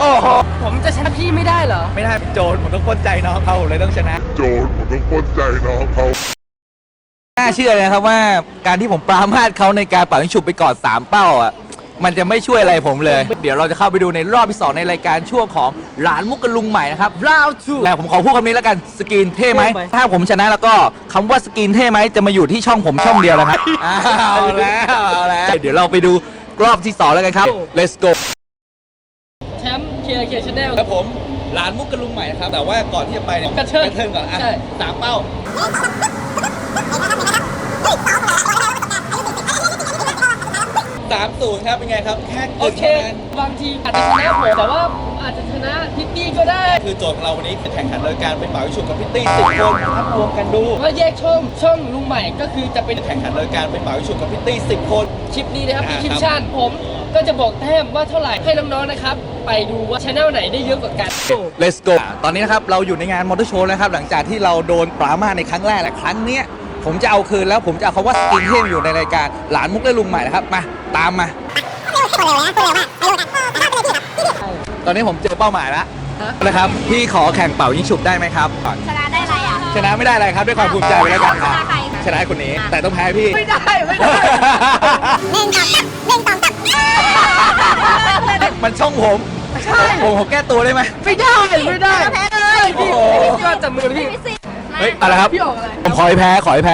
โอ้โหผมจะชนะพี่ไม่ได้เหรอไม่ได้โจรผมต้องปล้นใจน้องเขาเลยต้องชนะโจรผมต้องปล้นใจน้องเขาน่าเชื่อเลยนะครับว่าการที่ผมปรามาสเขาในการเป่ายิงฉุบไปก่อน3เป้าอ่ะมันจะไม่ช่วยอะไรผมเลย เดี๋ยวเราจะเข้าไปดูในรอบที่2ในรายการช่วงของหลานมุกกะลุงใหม่นะครับ Round 2 แล้วผมขอพูดคำนี้แล้วกันสกรีนเท่ไหมเท่ไหมถ้าผมชนะแล้วก็คำว่าสกรีนเท่ไหมจะมาอยู่ที่ช่องผมช่องเดียวนะครับเอาแล้วเดี๋ยวเราไปดูรอบที่2แล้วกันครับ let's go แชมป์เคลียร์ชแนลครับผมหลานมุกกะลุงใหม่นะครับแต่ว่าก่อนที่จะไปเนี่ยกระเทิงกระเทิงก่อนอ่ะใช่ 3เป้า 3-0 ครับเป็นไงครับแค่โอเค บางทีอาจจะชนะผมแต่ว่าอาจจะชนะพิตตี้ก็ได้คือโจทย์ของเราวันนี้แข่งขันโดยการไปเป่ายิงฉุบกับพิตตี้10 คนนะครับรวมกันดูว่าแยกช่องลุงใหม่ก็คือจะเป็นแข่งขันโดยการไปเป่ายิงฉุบกับพิตตี้10 คนคลิปนี้นะครับอ่าเป็นคลิครัปบชั่นผมก็จะบอกแต้มว่าเท่าไหร่ให้น้องๆนะครับ ไปดูว่าชแนลไหนได้เยอะกว่ากัน Let's go ตอนนี้นะครับเราอยู่ในงานมอเตอร์โชว์นะครับหลังจากที่เราโดนปรามาสในครั้งแรกและครั้งเนี้ยผมจะเอาคืนแล้วผมจะเอาคำว่าสกินเทมอยู่ในรายการหลานมุกและลุงใหม่นะครับมาตามมา ตอนนี้ผมเจอเป้าหมายแล้วฮะนะครับพี่ขอแข่งเป่ายิงฉุบได้ไหมครับก่อนชนะได้อะไรอ่ะชนะไม่ได้อะไรครับด้วยความภูมิใจไปแล้วกันครับชนะใครชนะคนนี้แต่ต้องแพ้พี่ไม่ได้มันช่องผมผมแก้ตัวได้ไหมไม่ได้แพ้เลยพี่โอ้โหก็จับมือพี่ไม่สิเฮ้ยอะไรครับพี่ออกอะไรผมขอให้แพ้ขอให้แพ้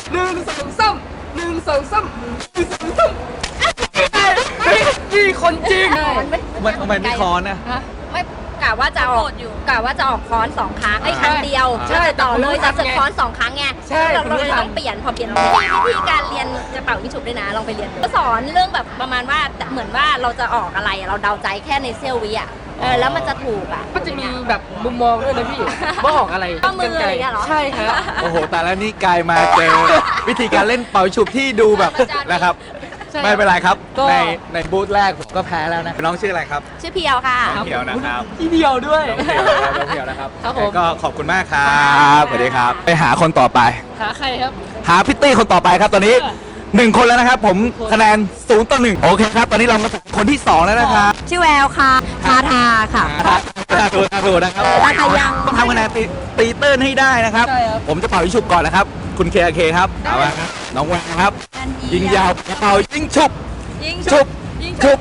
1-2-3พี่คนจริงมันไม่คอนนะไม่กะว่าจะออกกะว่าจะออกค้อน2 ครั้งไอ้ครั้งเดียวใช่จะต่อเลยแต่จะผมรู้ค้อน2 ครั้งไงใช่เราผมรู้เลยต้องเปลี่ยนพอเปลี่ยนวิธีการเรียนจะเป่ายิงฉุบด้วยนะลองไปเรียนก็สอนเรื่องแบบประมาณว่าเหมือนว่าเราจะออกอะไรเราเดาใจแค่ในเซี่ยววิอ่ะแล้วมันจะถูกอ่ะก็จะมีแบบมุมมองด้วยนะพี่ว่าออกอะไรข้อมืออะไรอย่างเงี้ยเหรอใช่ครับโอ้โหแต่แล้วนี่กลายมาเจอวิธีการเล่นเป่าฉุบที่ดูแบบนะครับใช่ไม่เป็นไรครับก็ในบูธแรกผมก็แพ้แล้วนะน้องชื่ออะไรครับชื่อเพียวค่ะน้องเพียวนะครับที่เดียวด้วยน้องเพียวนะครับครับผมก็ขอบคุณมากครับสวัสดีครับไปหาคนต่อไปหาใครครับหาพิตตี้คนต่อไปครับตอนนี้ 1 คนแล้วนะครับ ผมคะแนน0-1โอเคครับ ตอนนี้เรามาถึงคนที่ 2 แล้วนะครับชื่อแววค่ะคาทาค่ะถูกนะครับตาขยังต้องทำคะแนนตีเติ้ลให้ได้นะครับใช่ครับผมจะเป่ายิงฉุบก่อนนะครับ คุณเคครับเอาละครับน้องแววครับ ยิงยาวเป่ายิงฉุบยิงฉุบฉุบ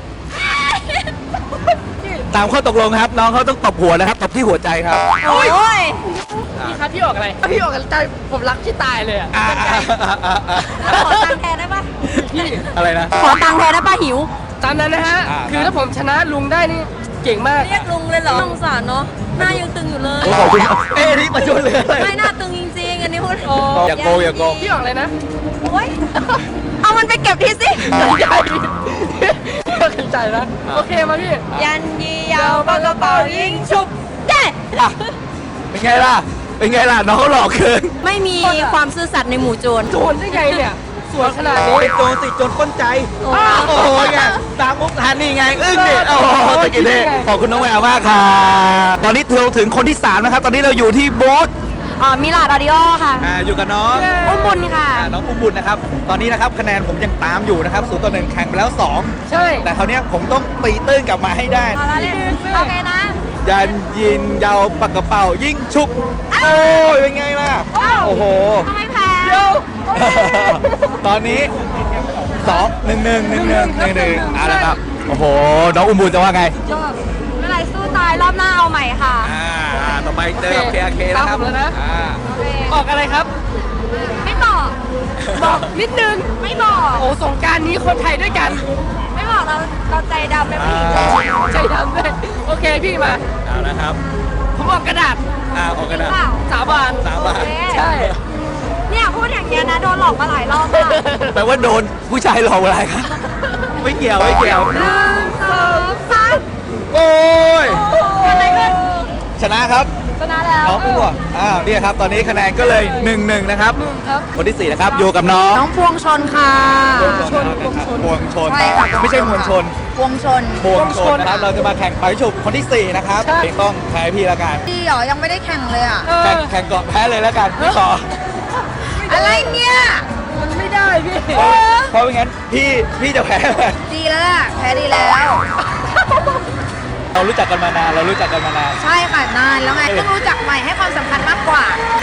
ตามข้อตกลงครับ น้องเขาต้องตบหัวนะครับตบที่หัวใจครับโอ้ยพี่ครับพี่ออกอะไรพี่ออกใจผมรักที่ตายเลยอ่ะอ่าขอตังค์แทนได้ปะพี่อะไรนะขอตังค์แทนได้ปะหิวตามนั้นนะฮะอ่าคือถ้าผมชนะลุงได้นี่เก่งมากเรียกลุงเลยเหรอสงสารเนาะหน้ายังตึงอยู่เลยโอ้ขอบคุณครับนี่ประชดเลยอะไรไม่หน้าตึงจริงๆ อันนี้พูดโอ้อย่าโกงอย่าโกงพี่ออกอะไรนะโอ๊ยเอามันไปเก็บทีสิใหญ่ขึ้นใจนะโอเคมาพี่ยันยียาวปากกระเป๋ายิงฉุบเด้อ่ะเป็นไงล่ะ เป็นไงล่ะ น้องเขาหลอกเกินไม่มีความซื่อสัตย์ในหมู่โจรโจรได้ไงเนี่ยสวยขนาดนี้เป็นโจรสิโจรป้นใจโอ้โอ้โหไงตามมุกทานนี่ไง อึ้งเด็ดโอ้โหตะกี้เด้ขอบคุณน้องแววมากค่ะตอนนี้เราถึงคนที่ 3 นะครับ ตอนนี้เราอยู่ที่บูธมิลาดออดิโอค่ะอยู่กับน้องอุ้มบุญค่ะน้องอุ้มบุญนะครับ ตอนนี้นะครับคะแนนผมยังตามอยู่นะครับ0-1แข่งไปแล้วใช่ 2 แต่คราวเนี้ยผมต้องตีตื้นกลับมาให้ได้เอาละเลยโอเคนะยันยินยาวปากกระเป๋ายิงชุบ โอ้ยเป็นไงล่ะ โอ้โหทำไมแพ้ตอนนี้1-1เอาละครับ โอ้โห น้องอุ้มบุญจะว่าไงยอดไม่เป็นไรสู้ตายรอบหน้าเอาใหม่ค่ะต่อไปเจอกับเคนะครับตามผมแล้วนะโอเคออกอะไรครับไม่บอกบอกนิดนึงไม่บอกโอ้สงกรารนี้คนไทยด้วยกันไม่บอกเราใจดำเป็นผู้หญิงใจดำเลยโอเคพี่มาเอาละครับผมออกกระดาษออกกันนะเปล่าสาบานสาบานโอเคใช่เนี่ยพูดอย่างเงี้ยนะโดนหลอกมาหลายรอบมากแปลว่าโดนผู้ชายหลอกอะไรครับ ไม่เกี่ยว 1 2 3 โอ้ยเกิดอะไรขึ้นชนะครับชนะแล้วน้องอุ้มอ่ะเนี่ยครับ ตอนนี้คะแนนก็เลย1-1นะครับครับคนที่ 4 นะครับ อยู่กับน้องน้องพวงชนค่ะพวงชนใช่ค่ะไม่ใช่มวลชนพวงชนพวงชนนะครับ เราจะมาแข่งไปฉุบคนที่ 4 นะครับต้องแพ้พี่แล้วกันดีเหรอ ยังไม่ได้แข่งเลยอ่ะแข่งก่อนแพ้เลยแล้วกันพี่ขออะไรเนี่ยมันไม่ได้พี่เพราะไม่งั้นพี่จะแพ้ดีแล้วล่ะ แพ้ดีแล้วเรารู้จักกันมานานเรารู้จักกันมานานใช่ค่ะนานแล้วไงเพิ่งรู้จักใหม่ให้ความสำคัญมากกว่า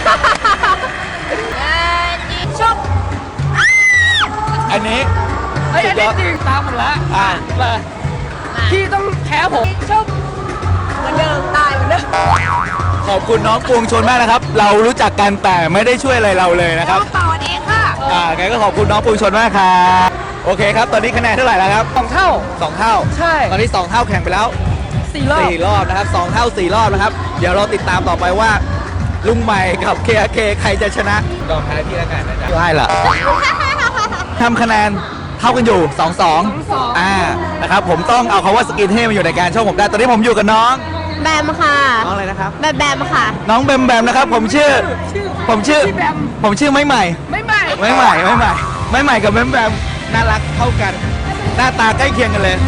ชอบอันนี้เฮ้ยอันนี้จริงตามผมละอ่ามาพี่ต้องแพ้ผมชอบเหมือนเดิมตายเหมือนเดิมขอบคุณน้องปวงชนมากนะครับ เรารู้จักกันแต่ไม่ได้ช่วยอะไรเราเลยนะครับต่อเองค่ะงั้นก็ขอบคุณน้องปวงชนมากครับโอเคครับ ตอนนี้คะแนนเท่าไหร่แล้วครับ 2 เท่า 2 เท่าใช่ตอนนี้2 เท่าแข่งไปแล้ว 4 รอบ 4 รอบนะครับ2 เท่า 4 รอบนะครับ เดี๋ยวเราติดตามต่อไปว่า ลุงใหม่กับ KRK ใครจะชนะยอมแพ้พี่แล้วกันนะจ๊ะได้ละทำคะแนนเท่ากันอยู่ 2-2 นะครับ ผมต้องเอาคำว่าสกินเทพมาอยู่ในการช่องผมได้ ตอนนี้ผมอยู่กับน้องแบมค่ะน้องอะไรนะครับแบมค่ะน้องแบมแบมนะครับ ผมชื่อพี่แบมผมชื่อไม่ใหม่ไม่ใหม่ไม่ใหม่กับแบมแบมน่ารักเท่ากัน หน้าตาใกล้เคียงกันเลย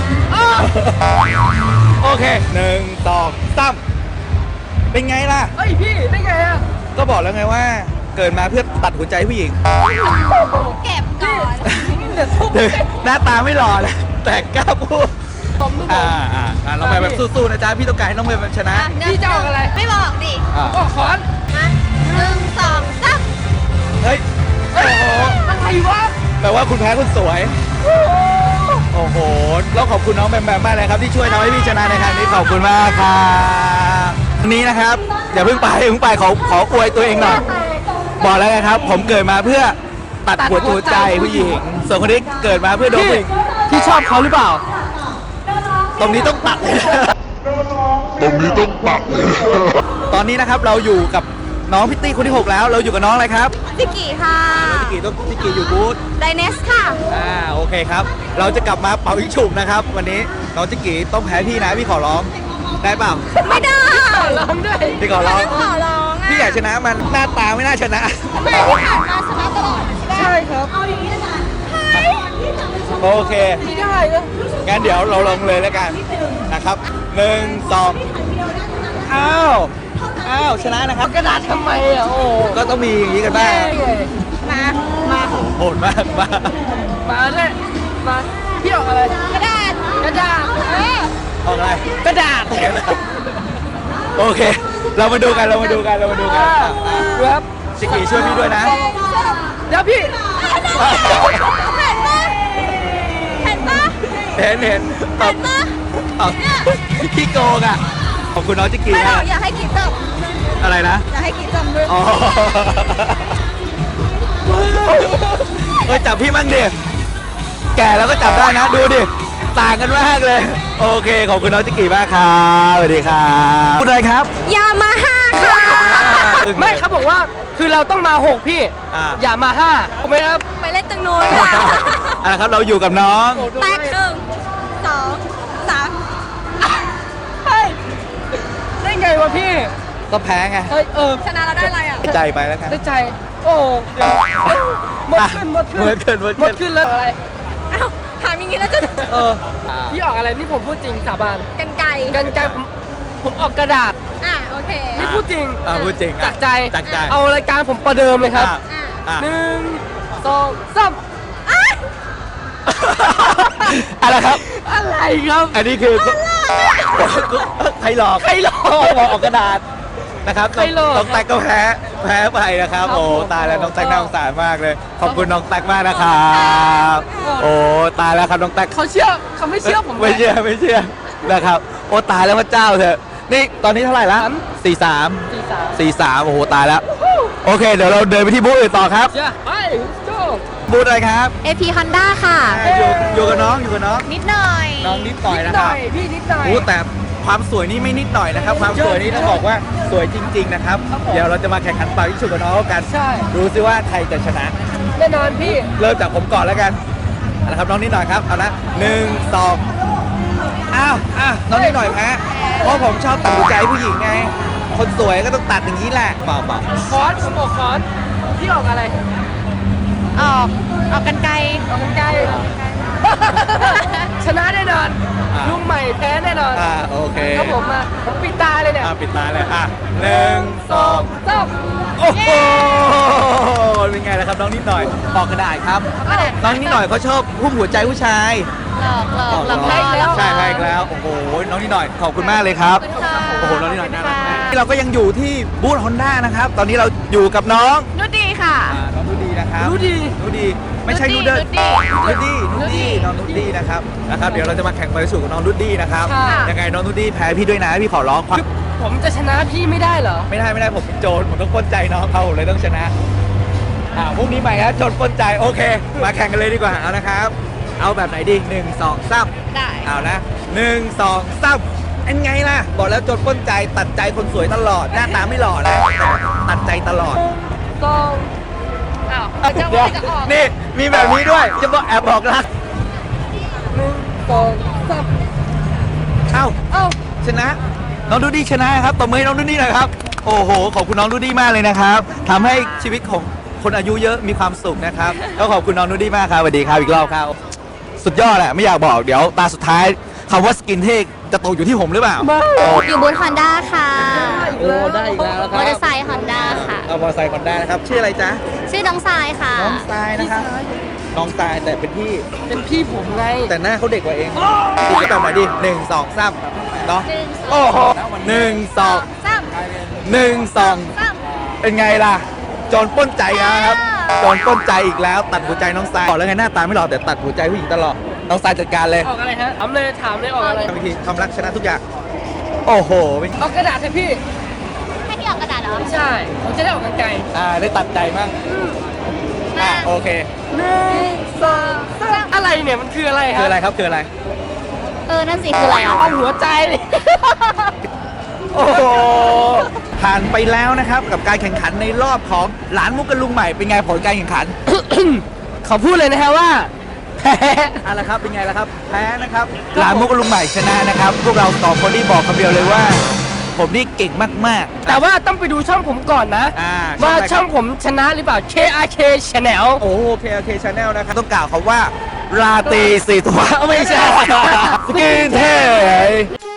โอเค1 2 3เป็นไงล่ะเฮ้ยพี่ได้ไงอะก็บอกแล้วไงว่า เกิดมาเพื่อตัดหัวใจผู้หญิงเก็บก่อนหน้าตาไม่หล่อเลยแต่กล้าพูดผมดูผมน้องแบมแบบสู้ๆนะจ๊ะพี่ต้องการให้น้องแบมชนะพี่จะออกอะไรไม่บอกดิก็ขอนมา1 2 3 เฮ้ยโอ้โหอะไรวะแปลว่าคุณแพ้คุณสวย โอ้โหแล้วขอบคุณน้องแบมแบมมากเลยครับที่ช่วยทำให้พี่ชนะในครั้งนี้ขอบคุณมากครับวันนี้นะครับอย่าเพิ่งไปขออวยตัวเองหน่อยบอกแล้วนะครับ ผมเกิดมาเพื่อตัดหัวใจผู้หญิงส่วนคนนี้เกิดมาเพื่อโดนผู้หญิงพี่ชอบเขาหรือเปล่าตรงนี้ต้องตัดเลยตรงนี้ต้องตัดเลยตอนนี้นะครับเราอยู่กับน้องพิตตี้คนที่ 6 แล้ว เราอยู่กับน้องอะไรครับพิกกี้ค่ะพิกกี้อยู่บูธไดเนสค่ะโอเคครับ เราจะกลับมาเป่ายิงฉุบนะครับ วันนี้น้องจิกกี้ต้องแพ้พี่นะพี่ขอร้องได้เปล่าไม่ได้ร้องด้วยพี่ขอร้องขอร้องอ่ะพี่อยากชนะมันหน้าตาไม่น่าชนะไม่ที่ผ่านมาชนะตลอดใช่ครับเอาอย่างนี้ละกันโอเคไม่ได้นะงั้นเดี๋ยวเราลงเลยแล้วกันนะครับ1 2อ้าวชนะนะครับกระดาษทำไมอ่ะโอ้ก็ต้องมีอย่างนี้กันบ้างมาโหดมากมามาด้วยมาพี่ออกอะไรกระดาษกระดาษออกอะไรกระดาษโอเค เรามาดูกันอ่ะครับจิกกี้ช่วยพี่ด้วยนะเดี๋ยวพี่เห็นปะเห็นเอาขี้โกงอ่ะขอบคุณน้องจิกกี้ไม่หรมาอกกอยากให้คิดจอะไรนะำอยากให้คิดจำด้วยอ๋อเฮ้ยจับพี่มั่งดิแก่แล้วก็จับได้นะดูดิต่างกันมากเลย โอเคขอบคุณน้องจิกกี้มากครับสวัสดีครับพูดอะไรครับยามาฮ่าค่ะไม่เขาบอกว่าคือเราต้องมา 6 พี่ อย่ามา 5ถูกไหมครับไปเล่นตังนู้นค่ะครับเราอยู่กับน้องแตก1 2 3 เฮ้ยได้ไงวะพี่ก็แพ้ไงเฮ้ยชนะเราได้อะไรอ่ะใจไปแล้วกันได้ใจ โอ้เดี๋ยวหมดขึ้นหมดขึ้นแล้วอะไรอ้าวถามอย่างนี้แล้วจะพี่ออกอะไรนี่ผมพูดจริงสาบานกันไก่กันไกลผมออกกระดาษโอเคนี่พูดจริงพูดจริงจากใจจากใจเอารายการผมประเดิมเลยครับอ่ะ 1 2 3 อะไรครับอะไรครับอันนี้คือใครหลอกบอกออกกระดาษนะครับใครหลอกน้องแตกก็แพ้ไปนะครับครับโอ้ผมตายแล้วน้องแตกน่าสงสารมากเลย ขอบคุณน้องแตกมากนะครับโอ้ตายแล้วครับน้องแตกเขาไม่เชื่อผมไม่เชื่อนะครับ โอ้ตายแล้วพระเจ้าเถอะนี่ตอนนี้เท่าไหร่ละ43 โอ้โหตายแล้วโอเค เดี๋ยวเราเดินไปที่บูธอื่นต่อครับเชื่อไปโจ้บูธอะไรครับ AP Honda ค่ะอยู่กับน้องนิดหน่อยน้องนิดหน่อยนิดนะหคน่รัอบ ยพี่นิดหน่อยโอ้แต่ความสวยนี่ไม่นิดหน่อยนะครับ ความสวยนี่ต้องบอกว่าสวยจริง ๆ นะครับครับผมเดี๋ยวเราจะมาแข่งขันเป่ายิงฉุบกับน้องกันใช่ดูซิว่าใครจะชนะแน่นอนพี่เริ่มจากผมก่อนแล้วกันเอาละครับน้องนิดหน่อยครับเอานะ1 2อ้าวน้องนิดหน่อยแพ้เพราะผมชอบตัดหัวใจผู้หญิงไง คนสวยก็ต้องตัดอย่างนี้แหละเปล่าคอนผมออกคอนพี่ออกอะไรออกกันไกลออกกันไกลชนะแน่นอนลุงใหม่แพ้แน่นอนโอเคครับผมมาผมปิดตาเลยเนี่ยปิดตาเลย1 2 3 โอ้โหเป็นไงล่ะครับน้องนิดหน่อยออกกระดาษครับ น้องนิดหน่อยเขาชอบหุ้มหัวใจผู้ชายหลอกพ่อหลอกใช่ใช่แล้ว โอ้โห น้องนิดหน่อย ขอบคุณมากเลยครับ โอ้โห น้องนิดหน่อยน่ารักมากเราก็ยังอยู่ที่บูธฮอนด้านะครับ ตอนนี้เราอยู่กับน้องนุชดีค่ะน้องนูดีนะครับนูดีนูดี ไม่ใช่นูเดิลนูดดี้นูดีน้องนูดีนะครับ เดี๋ยวเราจะมาแข่งไปสู่กับน้องนูดีนะครับค่ะยังไงน้องนูดีแพ้พี่ด้วยนะ พี่ขอร้องความผมจะชนะพี่ไม่ได้เหรอไม่ได้ผมเป็นโจรผมต้องปล้นใจน้องเขาผมเลยต้องชนะพรุ่งนี้ใหม่ครับโจรปล้นใจโอเค มาแข่งกันเลยดีกว่าเอานะครับ เอาแบบไหนดี1 2 3 ได้เอานะ1 2 3เป็นไงล่ะ บอกแล้วโจรปล้นใจตัดใจคนสวยตลอดหน้าตาไม่หล่อนะตัดใจตลอดอ้าวจะเดี๋ยวจะออกนี่มีแบบนี้ด้วยจะบอกแอบบอกรัก 1 2 3 เอ้าเอ้าชนะน้องดูดี้ชนะครับตบมือให้น้องดูดี้หน่อยครับโอ้โหขอบคุณน้องดูดี้มากเลยนะครับทำให้ชีวิตของคนอายุเยอะมีความสุขนะครับก็ขอบคุณน้องดูดี้มากครับสวัสดีครับอีกรอบครับสุดยอดแหละไม่อยากบอกเดี๋ยวตาสุดท้ายคำว่าสกินเทคจะตกอยู่ที่ผมหรือเปล่าอยู่บูธฮอนด้าค่ะโอ้ได้อีกแล้วคมรัอบ เตอร์ไซค์ฮอนด้าค่ะเอามอเตอร์ไซค์ก่อนได้นะครับชื่ออะไรจ๊ะชื่อน้องทรายค่ะน้องทรายนะครับน้องทรายแต่เป็นพี่เป็นพี่ผมไงแต่หน้าเขาเด็กกว่าเองดีก็แบบไหนดิ1 2 3เนาะ 1 โอ้โห1 2 3 1 2 เป็นไงล่ะโจรปล้นใจนะครับโจรปล้นใจอีกแล้ว ตัดหัวใจน้องทรายบอกแล้วไงหน้าตาไม่หล่อแต่ตัดหัวใจผู้หญิงตลอดน้องทรายจัดการเลยออกอะไรฮะถามเลยออกอะไรทำวิธีความรักชนะทุกอย่างโอ้โหเป็นออกกระดาษให้พี่ให้พี่ออกกระดาษเหรอใช่ ผมจะได้ออกกันไกลได้ตัดใจมั่งโอเคอะไรเนี่ย มันคืออะไรคคืรัอบ อะไรครับคืออะไรนั่นสิคืออะไรอ่ะเอาหัวใจเลยโอ้โหผ่านไปแล้วนะครับกับการแข่งขันในรอบของหลานมุกกันลุงใหม่เป็นไงผลการแข่งขันขอพูดเลยนะฮะว่าแพ้อะไรครับเป็นไงล่ะครับแพ้นะครับหลานมุกกับลุงใหม่ชนะนะครับพวกเราสองคนที่บอกคำเดียวเลยว่า ผมนี่เก่งมากๆแต่ว่าต้องไปดูช่องผมก่อนนะ ว่าช่องผมชนะหรือเปล่า KRK Channel โอ้โห KRK Channel นะครับ ต้องกล่าวคำว่า ราตรีสีตัวไม่ใช่ สกินเท